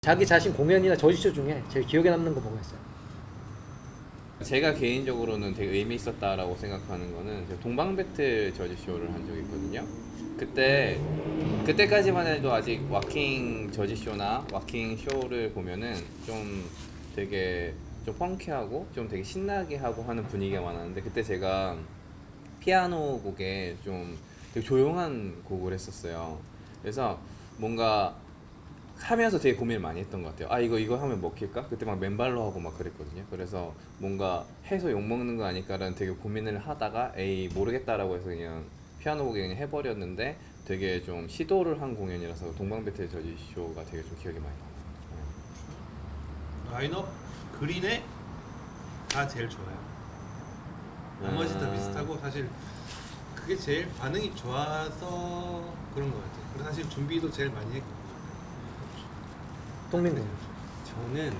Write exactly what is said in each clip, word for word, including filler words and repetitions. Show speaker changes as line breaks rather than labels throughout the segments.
자기 자신 공연이나 저지쇼 중에 제일 기억에 남는 거 뭐가 있어요?
제가 개인적으로는 되게 의미 있었다라고 생각하는 거는 제가 동방배틀 저지쇼를 한 적이 있거든요. 그때 그때까지만 해도 아직 와킹 저지쇼나 와킹 쇼를 보면은 좀 되게 좀 펑키하고 좀 되게 신나게 하고 하는 분위기가 많았는데, 그때 제가 피아노 곡에 좀 되게 조용한 곡을 했었어요. 그래서 뭔가 하면서 되게 고민을 많이 했던 것 같아요. 아 이거 이거 하면 먹힐까? 그때 막 맨발로 하고 막 그랬거든요. 그래서 뭔가 해서 욕 먹는 거 아닐까라는 되게 고민을 하다가 에이 모르겠다라고 해서 그냥 피아노 곡에 그냥 해버렸는데, 되게 좀 시도를 한 공연이라서 동방배틀 저지쇼가 되게 좀 기억이 많이 나요.
라인업 그린에 다 제일 좋아요. 나머지 다
아.
비슷하고 사실 그게 제일 반응이 좋아서 그런 것 같아요. 그리고 사실 준비도 제일 많이 했고.
동민군.
저는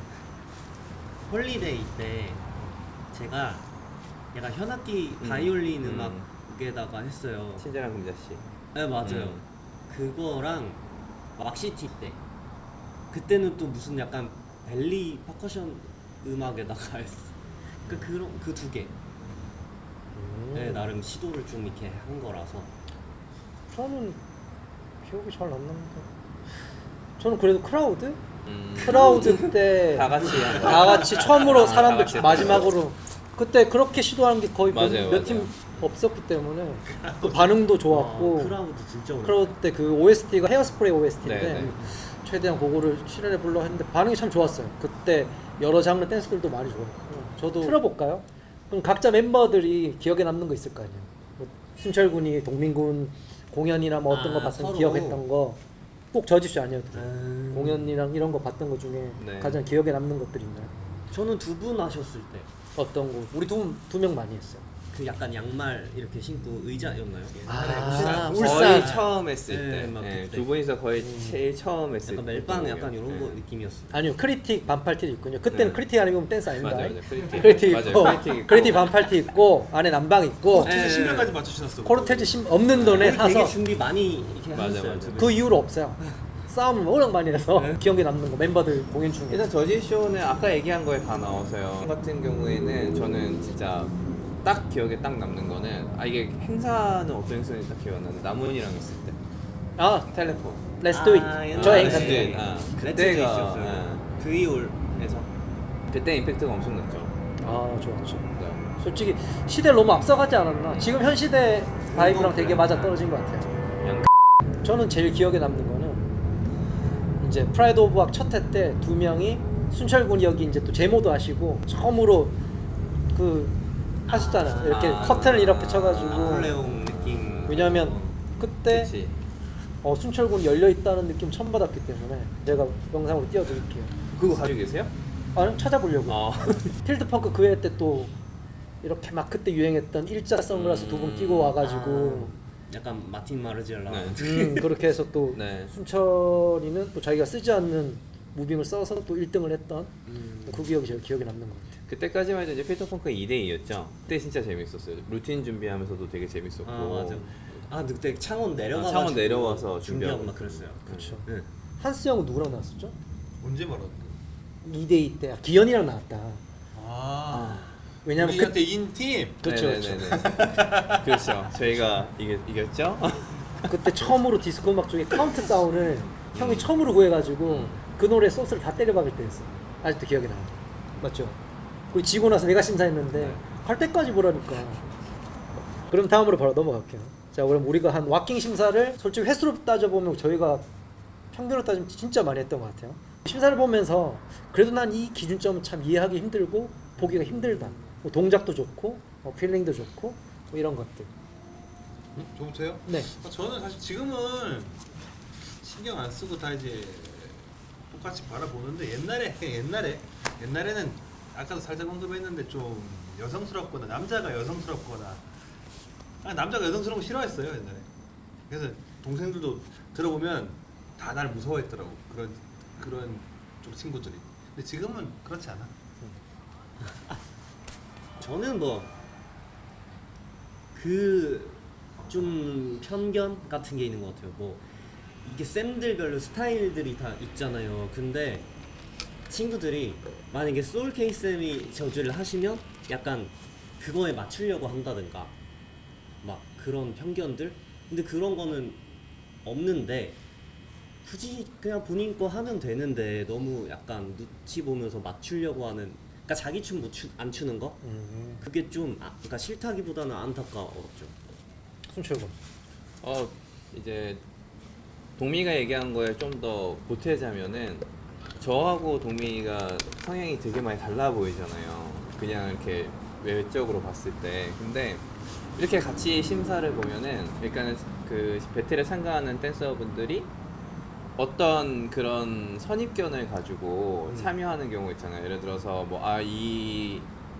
홀리데이 때 제가 약간 현악기
음,
바이올린
음.
음. 악에다가 했어요.
친절한 금자씨.
네 맞아요.
음.
그거랑 왁시티 때 그때는 또 무슨 약간 벨리 퍼커션 음악에다가 했어. 그 그런 그 두 개.
음.
네, 나름 시도를 좀 이렇게 한 거라서.
저는 기억이 잘 안 나는데. 저는 그래도 크라우드?
음.
크라우드 때
다 같이 한 거.
다 같이 처음으로
아, 다
사람들
같이
마지막으로 그때 그렇게 시도한 게 거의
맞아요,
몇 팀
맞아요.
없었기 때문에 그 반응도 좋았고,
아, 크라우드 진짜 오래.
크라우드 때 그 오에스티가 헤어스프레이 오에스티인데
네, 네.
최대한 그거를 실현해 보려 했는데 반응이 참 좋았어요. 그때 여러 장르 댄스들도 많이 좋았고. 저도 틀어볼까요? 그럼 각자 멤버들이 기억에 남는 거 있을 거 아니에요. 뭐 순철군이 동민군 공연이나 뭐 어떤
아,
거 봤으면
서로.
기억했던 거, 꼭 저지쇼 아니어도 돼요.
음.
공연이랑 이런 거 봤던 거 중에
네.
가장 기억에 남는 것들 있나요?
저는 두 분 하셨을 때.
어떤 거? 우리 두 두 명 많이 했어요.
그 약간 양말 이렇게 신고 의자였나요?
아,
거의
울산.
처음 했을
네,
때,
막
네,
그때.
두 분이서 거의
음.
제일 처음 했을
약간
때.
멜빵 약간 이런 거
네.
느낌이었어요.
아니요, 크리틱 반팔티 있군요. 그때는
네.
크리틱 아니면 댄스 아닙니다.
맞아요, 맞아요. 크리틱.
크리틱
맞아요,
있고,
크리틱 있고.
크리틱 반팔티 있고, 안에 난방 있고,
네.
신명까지 맞추셨어.
코르테즈 심 없는 돈에
우리 되게
사서
준비 많이 이렇게
맞아,
하셨어요.
맞아.
두 분.
그 이후로 없어요. 싸움을 워낙 많이 해서 기억에 남는 거 멤버들 공연 중에.
일단 저지쇼는 아까 얘기한 거에 다 나와서요. 같은 경우에는 저는 진짜 딱 기억에 딱 남는 거는, 아 이게 행사는 어떤 행사인지 딱 기억 안 나는데, 남훈이랑 있을 때
아,
텔레폰.
Let's do it.
아, 옛날에.
저
아,
행사
Let's do
때.
it. 아,
그때가
그때가
있었어요.
예.
브이올에서.
그때 임팩트가 엄청났죠.
아, 좋았죠.
네.
솔직히 시대를 너무 앞서가지 않았나? 지금 현 시대 바이브랑 되게 맞아 떨어진 것 같아요.
그냥
저는 제일 기억에 남는 거는 이제 프라이드 오브 악 첫 회 때 두 명이 순철군이 여기 이제 또 제모도 하시고 처음으로 그 하셨잖아요. 이렇게
아,
커튼을 이렇게 쳐가지고.
나폴레옹 느낌.
왜냐면
어.
그때
그치.
어, 순철군 열려 있다는 느낌 처음 받았기 때문에 제가 영상으로 띄워드릴게요.
그거 가지고 계세요?
아니 찾아보려고.
어.
필드 펑크 그 해 때 또 이렇게 막 그때 유행했던 일자 선글라스 두 분 끼고 와가지고
아, 약간 마틴 마르지엘라.
네.
음, 그렇게 해서 또
네.
순철이는 또 자기가 쓰지 않는 무빙을 써서 또 일 등을 했던
음.
그 기억이 제일 기억에 남는 것 같아요.
그때까지만 해도 이제 필터펑크 이 대 이였죠. 그때 진짜 재밌었어요. 루틴 준비하면서도 되게 재밌었고.
아 맞아. 아 근데 그때 창원 내려가.
아, 창원 내려와서
준비하고
준비하고.
막 그랬어요.
그렇죠.
네.
한스 형은 누구랑 나왔었죠?
언제 말하는
이 대 이 때 아, 기현이랑 나왔다.
아.
왜냐면 그,
우리한테 인팀.
그렇죠,
네네네네. 그렇죠. 저희가 이겼, 이겼죠?
그때 처음으로 디스코 음악 중에 카운트다운을 형이 처음으로 구해가지고 그 노래 소스를 다 때려박을 때였어. 아직도 기억이 나요. 맞죠? 그리고 지고 나서 내가 심사했는데
네.
갈 때까지 보라니까. 그럼 다음으로 바로 넘어갈게요. 자, 그럼 우리가 한 와킹 심사를 솔직히 횟수로 따져보면 저희가 평균으로 따지면 진짜 많이 했던 것 같아요. 심사를 보면서 그래도 난 이 기준점은 참 이해하기 힘들고 보기가 힘들다. 뭐 동작도 좋고 뭐 필링도 좋고 뭐 이런 것들.
음? 저부터요?
네.
아, 저는 사실 지금은 신경 안 쓰고 다 이제 똑같이 바라보는데, 옛날에 옛날에 옛날에는 아까도 살짝 언급했는데 좀 여성스럽거나 남자가 여성스럽거나, 아, 남자가 여성스러운 거 싫어했어요 옛날에. 그래서 동생들도 들어보면 다 날 무서워했더라고, 그런 그런 쪽 친구들이. 근데 지금은 그렇지 않아.
저는 뭐 그 좀 편견 같은 게 있는 것 같아요. 뭐 이게 쌤들별로 스타일들이 다 있잖아요. 근데 친구들이 만약에 소울 케이쌤이 저주를 하시면 약간 그거에 맞추려고 한다든가 막 그런 편견들. 근데 그런 거는 없는데 굳이 그냥 본인 거 하면 되는데 너무 약간 눈치 보면서 맞추려고 하는, 그러니까 자기 춤 못 추, 안 추는 거
음.
그게 좀 아, 그러니까 싫다기보다는 안타까웠죠.
순철군.
어 이제 동미가 얘기한 거에 좀 더 보태자면은 저하고 동미가 성향이 되게 많이 달라 보이잖아요. 그냥 이렇게 외적으로 봤을 때. 근데 이렇게 같이 심사를 보면은 그러니까는 그 배틀에 참가하는 댄서분들이 어떤 그런 선입견을 가지고
음.
참여하는 경우 있잖아요. 예를 들어서 뭐 아 이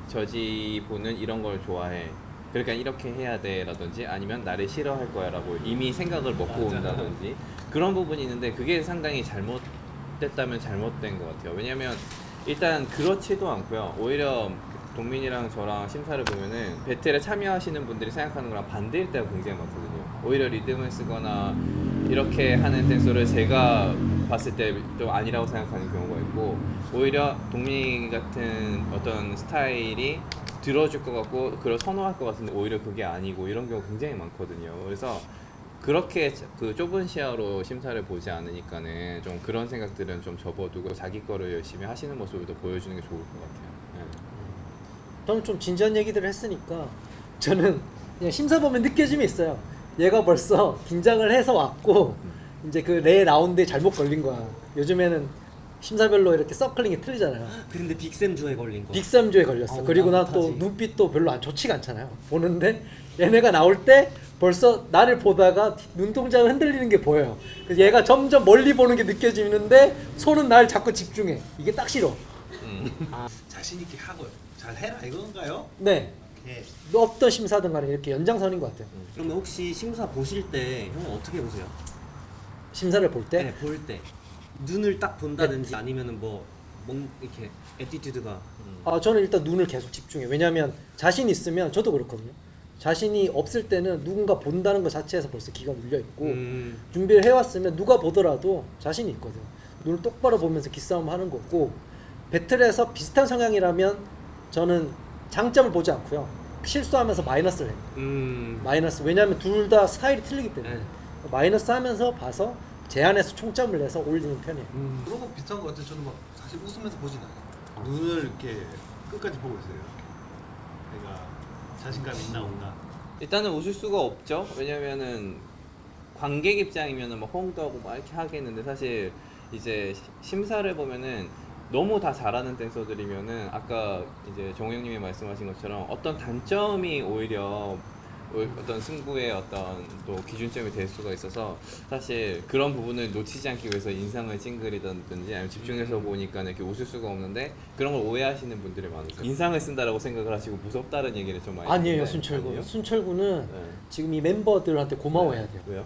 저지보는 이런 걸 좋아해. 그러니까 이렇게 해야 돼라든지 아니면 나를 싫어할 거야라고 이미 생각을 먹고
맞아.
온다든지 그런 부분이 있는데 그게 상당히 잘못됐다면 잘못된 것 같아요. 왜냐면 일단 그렇지도 않고요. 오히려 동민이랑 저랑 심사를 보면은 배틀에 참여하시는 분들이 생각하는 거랑 반대일 때가 굉장히 많거든요. 오히려 리듬을 쓰거나 이렇게 하는 댄서를 제가 봤을 때 좀 아니라고 생각하는 경우가 있고, 오히려 동민이 같은 어떤 스타일이 들어줄 것 같고 그걸 선호할 것 같은데 오히려 그게 아니고 이런 경우 굉장히 많거든요. 그래서 그렇게 그 좁은 시야로 심사를 보지 않으니까는 좀 그런 생각들은 좀 접어두고 자기 거를 열심히 하시는 모습을 더 보여주는 게 좋을 것 같아요. 네.
저는 좀 진지한 얘기들을 했으니까 저는 그냥 심사 보면 느껴짐이 있어요. 얘가 벌써 긴장을 해서 왔고 이제 그 레 라운드에 잘못 걸린 거야. 요즘에는 심사별로 이렇게 서클링이 틀리잖아요.
근데 빅쌤 주에 걸린 거.
빅삼조에 걸렸어.
아우,
그리고 나
나
또
못하지.
눈빛도 별로 안 좋지가 않잖아요. 보는데 얘네가 나올 때 벌써 나를 보다가 눈동자가 흔들리는 게 보여요. 그래서 얘가 점점 멀리 보는 게 느껴지는데 손은 날 자꾸 집중해. 이게 딱 싫어.
음.
자신 있게 하고 잘 해라 이건가요?
네.
예.
어떤 심사든 간에 이렇게 연장선인 것 같아요.
그러면 혹시 심사 보실 때 형 어떻게 보세요?
심사를 볼 때
네, 볼 때 눈을 딱 본다든지 아니면은 뭐 뭔 이렇게 애티튜드가
아, 저는 일단 눈을 계속 집중해요. 왜냐하면 자신 있으면 저도 그렇거든요. 자신이 없을 때는 누군가 본다는 것 자체에서 벌써 기가 눌려 있고
음.
준비를 해왔으면 누가 보더라도 자신이 있거든. 눈을 똑바로 보면서 기싸움 하는 거고, 배틀에서 비슷한 성향이라면 저는 장점을 보지 않고요. 실수하면서 마이너스를 해요.
음.
마이너스. 왜냐하면 둘 다 스타일이 틀리기 때문에
네.
마이너스 하면서 봐서 제안해서 총점을 내서 올리는 편이에요.
음.
그런 거 비슷한 거 같아요. 저는 막 사실 웃으면서 보진 않아요. 눈을 이렇게 끝까지 보고 있어요. 이렇게. 내가 자신감이 있나 없나.
일단은 웃을 수가 없죠. 왜냐면은 관객 입장이면은 뭐 호응도 하고 막 이렇게 하겠는데 사실 이제 시- 심사를 보면은 너무 다 잘하는 댄서들이면은 아까 이제 정우 형님이 말씀하신 것처럼 어떤 단점이 오히려 오- 어떤 승부의 어떤 또 기준점이 될 수가 있어서 사실 그런 부분을 놓치지 않기 위해서 인상을 찡그리든지 아니면 집중해서 보니까 이렇게 웃을 수가 없는데 그런 걸 오해하시는 분들이 많으세요. 인상을 쓴다라고 생각을 하시고 무섭다는 얘기를 좀 많이
아니에요,
듣는데
순철군.
아니에요?
순철군은
네.
지금 이 멤버들한테 고마워해야 돼요.
왜요?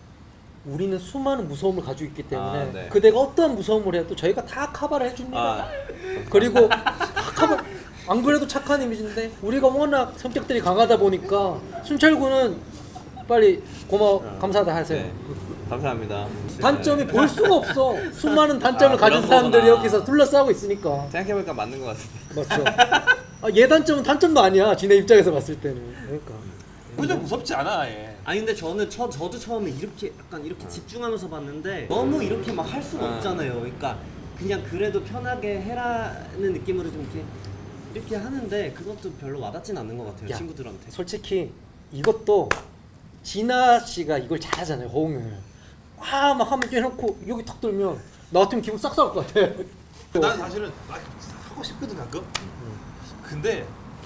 우리는 수많은 무서움을 가지고 있기 때문에
아, 네.
그대가 어떠한 무서움을 해도 저희가 다 커버를 해줍니다.
아,
그리고 다 커버. 안 그래도 착한 이미지인데 우리가 워낙 성격들이 강하다 보니까 순철군은 빨리 고마워
아,
감사하다 하세요.
네. 감사합니다.
단점이 볼 수가 없어. 수많은 단점을
아,
가진
그런
사람들이
거구나.
여기서 둘러싸고 있으니까.
생각해보니까 맞는 것 같은데.
맞죠. 아, 얘 단점은 단점도 아니야. 지네 입장에서 봤을 때는. 그러니까.
그냥 무섭지 않아. 예.
아니 근데 저는 저 저도 처음에 이렇게 약간 이렇게 집중하면서 봤는데 너무 이렇게 막 할 수가
아.
없잖아요. 그러니까 그냥 그래도 편하게 해라는 느낌으로 좀 이렇게 이렇게 하는데 그것도 별로 와닿진 않는 것 같아요.
야,
친구들한테.
솔직히 이것도 진아 씨가 이걸 잘하잖아요. 호응을. 와 막 하면 해놓고 여기 탁 들면 나 같으면 기분 싹 쌀 것 같아.
난 사실은 막 하고 싶거든 가끔. 근데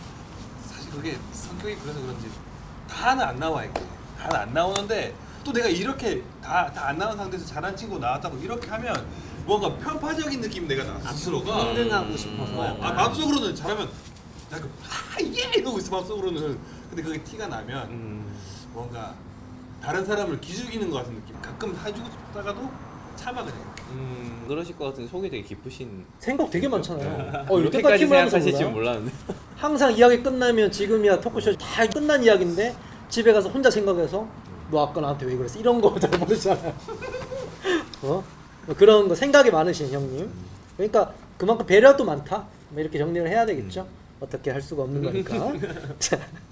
사실 그게 성격이 그래서 그런지 다는 안 나와 이게. 다는 안 나오는데 또 내가 이렇게 다 다 안 나온 상태에서 잘한 친구 나왔다고 이렇게 하면 뭔가 편파적인 느낌 내가 나 스스로가.
평등하고 싶어서.
어, 아,
약간.
마음속으로는 잘하면 약간 아예 이러고 있어 마음속으로는. 근데 그게 티가 나면
음.
뭔가 다른 사람을 기죽이는 것 같은 느낌. 가끔 해주고 싶다가도 참아 그냥.
음.
그러실 것 같은데 속이 되게 깊으신.
생각 되게 많잖아요. 어, 이렇게까지
이렇게까지
하면서
생각하실 줄
몰라요?
몰랐는데.
항상 이야기 끝나면 지금이야 토크쇼 다 끝난 이야기인데 집에 가서 혼자 생각해서 너 아까 나한테 왜 그랬어? 이런 거 잘 모르잖아요. 어? 그런 거 생각이 많으신 형님. 그러니까 그만큼 배려도 많다. 뭐 이렇게 정리를 해야 되겠죠. 어떻게 할 수가 없는 거니까. 자,